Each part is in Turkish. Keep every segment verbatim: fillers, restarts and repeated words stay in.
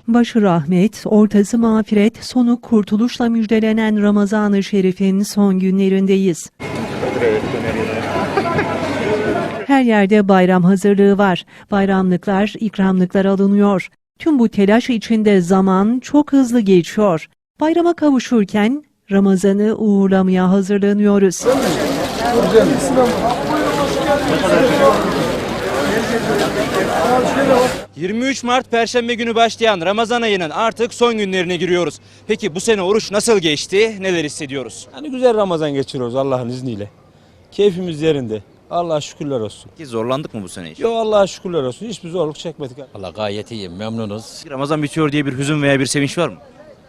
Başı rahmet, ortası mağfiret, sonu kurtuluşla müjdelenen Ramazan-ı Şerif'in son günlerindeyiz. Her yerde bayram hazırlığı var. Bayramlıklar, ikramlıklar alınıyor. Tüm bu telaş içinde zaman çok hızlı geçiyor. Bayrama kavuşurken Ramazan'ı uğurlamaya hazırlanıyoruz. yirmi üç Mart Perşembe günü başlayan Ramazan ayının artık son günlerine giriyoruz. Peki bu sene oruç nasıl geçti? Neler hissediyoruz? Hani güzel Ramazan geçiriyoruz Allah'ın izniyle. Keyfimiz yerinde. Allah'a şükürler olsun. Peki zorlandık mı bu sene hiç? Yo Allah'a şükürler olsun. Hiçbir zorluk çekmedik. Valla gayet iyiyim, memnunuz. Ramazan bitiyor diye bir hüzün veya bir sevinç var mı?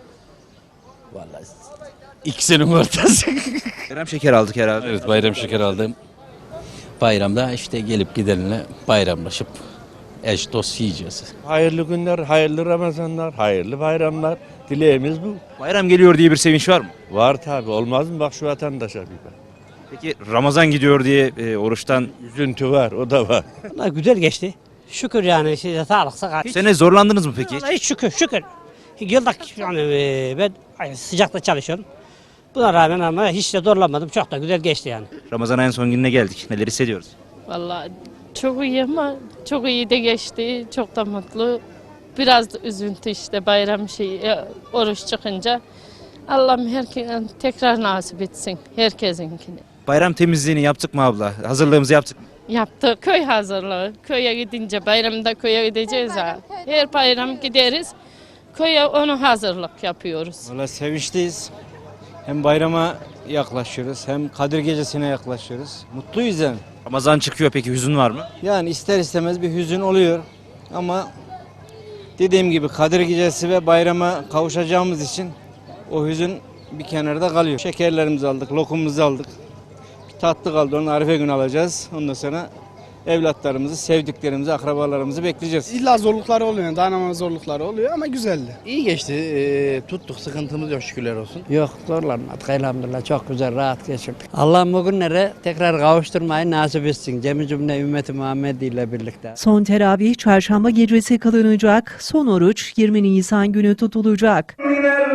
Vallahi ikisinin ortası. Bayram şeker aldık herhalde. Evet, bayram şeker aldım. Bayramda işte gelip gidenle bayramlaşıp eş dost yiyeceğiz. Hayırlı günler, hayırlı Ramazanlar, hayırlı bayramlar. Dileğimiz bu. Bayram geliyor diye bir sevinç var mı? Var tabi, olmaz mı? Bak şu vatandaşa bir bak. Peki Ramazan gidiyor diye e, oruçtan Üzüntü var, o da var. Vallahi güzel geçti. Şükür yani size sağlık sıhhat. bu sene zorlandınız mı peki? Vallahi hiç şükür şükür. Yılda yani e, ben sıcakta çalışıyorum. Buna rağmen ama hiç de zorlanmadım. Çok da güzel geçti yani. Ramazan ayın son gününe geldik. Neler hissediyoruz? Vallahi çok iyi ama çok iyi de geçti. Çok da mutlu. Biraz da üzüntü işte bayram şeyi, oruç çıkınca. Allah'ım herkese tekrar nasip etsin herkesinkini. Bayram temizliğini yaptık mı abla? Hazırlığımızı yaptık mı? Yaptı köy hazırlığı. Köye gidince bayramda köye gideceğiz ha. Her bayram gideriz. Köye onu hazırlık yapıyoruz. Valla sevinçliyiz. Hem bayrama yaklaşıyoruz hem Kadir Gecesi'ne yaklaşıyoruz. Mutluyuz yani. Ramazan çıkıyor, peki hüzün var mı? Yani ister istemez bir hüzün oluyor. Ama dediğim gibi Kadir Gecesi ve bayrama kavuşacağımız için o hüzün bir kenarda kalıyor. Şekerlerimizi aldık, lokumumuzu aldık. Bir tatlı kaldı, onu Arife günü alacağız. Ondan sonra evlatlarımızı, sevdiklerimizi, akrabalarımızı bekleyeceğiz. İlla zorlukları oluyor, dayanama zorlukları oluyor ama güzeldi. İyi geçti. Ee, tuttuk. Sıkıntımız yok şükürler olsun. Yok zorlanmadık elhamdülillah. Çok güzel rahat geçirdik. Allah bu günlere tekrar kavuşturmayı nasip etsin. Cemi cümle ümmeti Muhammed ile birlikte. Son teravih çarşamba gecesi kılınacak, son oruç yirmi Nisan günü tutulacak.